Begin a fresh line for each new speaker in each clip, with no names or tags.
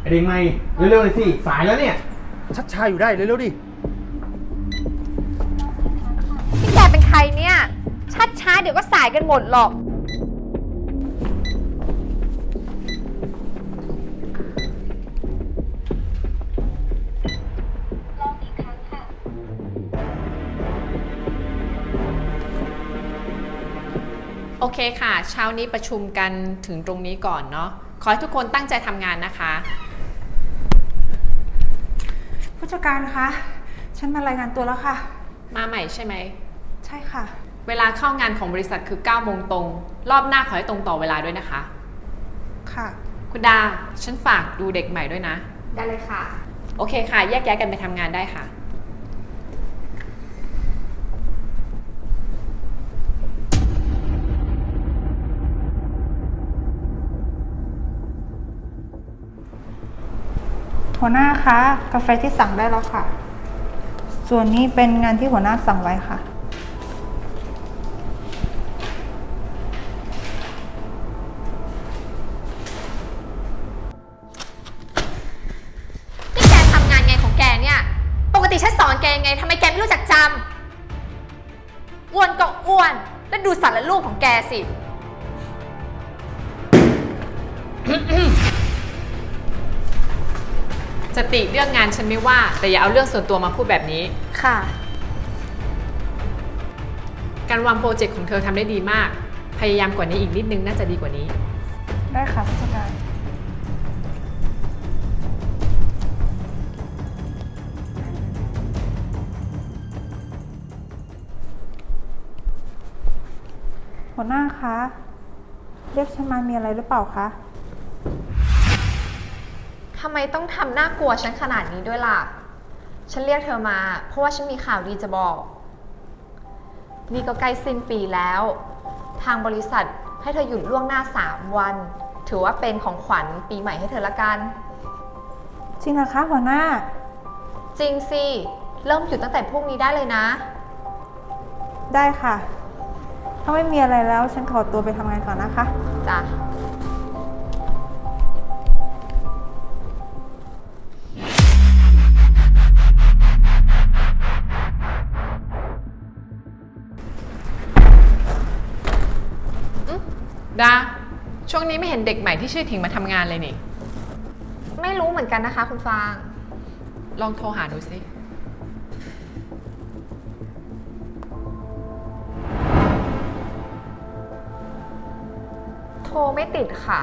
เด็กใหม่เร็วๆเลยสิสายแล้วเนี่ย
ชักช้าอยู่ได้เร็วๆดิ
พี่แกเป็นใครเนี่ยชัดช้าเดี๋ยวก็สายกันหมดหรอก
โอเคค่ะเช้านี้ประชุมกันถึงตรงนี้ก่อนเนาะขอให้ทุกคนตั้งใจทำงานนะคะ
ผู้จัดการคะฉันมารายงานตัวแล้วค่ะ
มาใหม่ใช่ไหม
ใช่ค่ะ
เวลาเข้างานของบริษัทคือ9 โมงตรงรอบหน้าขอให้ตรงต่อเวลาด้วยนะคะ
ค่ะ
คุณดาฉันฝากดูเด็กใหม่ด้วยนะ
ได้เลยค่ะ
โอเคค่ะแยกย้ายกันไปทำงานได้ค่ะ
หัวหน้าคะกาแฟที่สั่งได้แล้วค่ะส่วนนี้เป็นงานที่หัวหน้าสั่งไว้ค่ะ
นี่แกทำงานไงของแกเนี่ยปกติฉันสอนแกยังไงทำไมแกไม่รู้จักจำอ้วนก็อ้วนแล้วดูสารรูปของแกสิ
สติเรื่องงานฉันไม่ว่าแต่อย่าเอาเรื่องส่วนตัวมาพูดแบบนี้
ค่ะ
การวางโปรเจกต์ของเธอทำได้ดีมากพยายามกว่านี้อีกนิดนึงน่าจะดีกว่านี้
ได้ค่ะผู้จัดการหัวหน้าคะเรียกฉันมามีอะไรหรือเปล่าคะ
ทำไมต้องทำน่ากลัวฉันขนาดนี้ด้วยล่ะฉันเรียกเธอมาเพราะว่าฉันมีข่าวดีจะบอกนี่ก็ใกล้สิ้นปีแล้วทางบริษัทให้เธอหยุดล่วงหน้า3 วันถือว่าเป็นของขวัญปีใหม่ให้เธอละกัน
จริงเหรอคะหัวหน้า
จริงสิเริ่มหยุดตั้งแต่พรุ่งนี้ได้เลยนะ
ได้ค่ะถ้าไม่มีอะไรแล้วฉันขอตัวไปทำงานก่อนนะคะ
จ้ะ
ดาช่วงนี้ไม่เห็นเด็กใหม่ที่ชื่อถิงมาทำงานเลยนี่
ไม่รู้เหมือนกันนะคะคุณฟาง
ลองโทรหาดูสิ
โทรไม่ติดค่ะ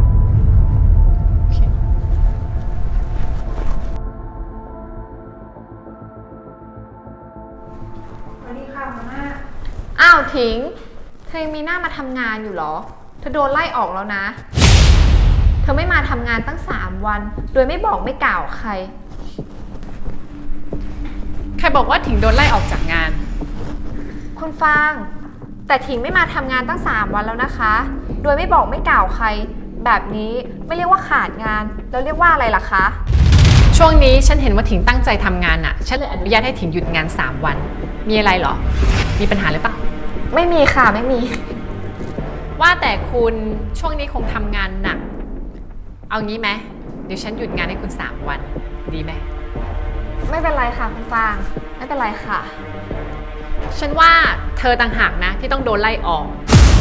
สวัสดีค่ะหัวหน้า
อ้าวถิงเธอยังมีหน้ามาทำงานอยู่เหรอเธอโดนไล่ออกแล้วนะเธอไม่มาทำงานตั้ง3 วันโดยไม่บอกไม่กล่าวใคร
ใครบอกว่าถิงโดนไล่ออกจากงาน
คุณฟางแต่ถิงไม่มาทำงานตั้ง3 วันแล้วนะคะโดยไม่บอกไม่กล่าวใครแบบนี้ไม่เรียกว่าขาดงานแล้วเรียกว่าอะไรล่ะคะ
ช่วงนี้ฉันเห็นว่าถิงตั้งใจทำงานน่ะฉันเลยอนุญาตให้ถิงหยุดงาน3 วันมีอะไรเหรอมีปัญหาหรือเปล่า
ไม่มีค่ะไม่มี
ว่าแต่คุณช่วงนี้คงทำงานหนักเอางี้ไหมเดี๋ยวฉันหยุดงานให้คุณ3 วันดีไหม
ไม่เป็นไรค่ะคุณฟางไม่เป็นไรค่ะ
ฉันว่าเธอต่างหากนะที่ต้องโดนไล่ออก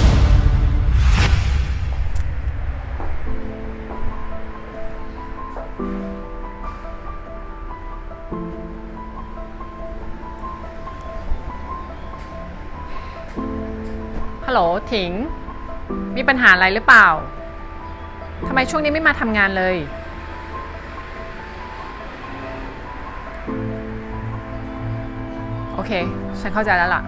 ฮัลโหลถิงมีปัญหาอะไรหรือเปล่าทำไมช่วงนี้ไม่มาทำงานเลยโอเคฉันเข้าใจแล้วล่ะ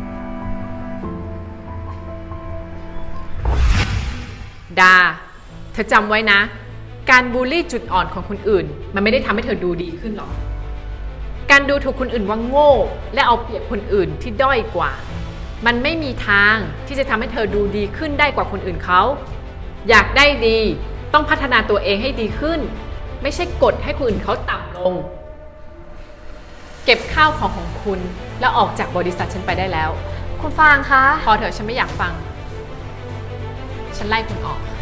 ดาเธอจำไว้นะการบูลลี่จุดอ่อนของคนอื่นมันไม่ได้ทำให้เธอดูดีขึ้นหรอกการดูถูกคนอื่นว่าโง่และเอาเปรียบคนอื่นที่ด้อยกว่ามันไม่มีทางที่จะทำให้เธอดูดีขึ้นได้กว่าคนอื่นเขาอยากได้ดีต้องพัฒนาตัวเองให้ดีขึ้นไม่ใช่กดให้คนอื่นเขาต่ำลงเก็บข้าวของคุณแล้วออกจากบริษัทฉันไปได้แล้ว
คุณฟางคะ
พอเถอะฉันไม่อยากฟังฉันไล่คุณออก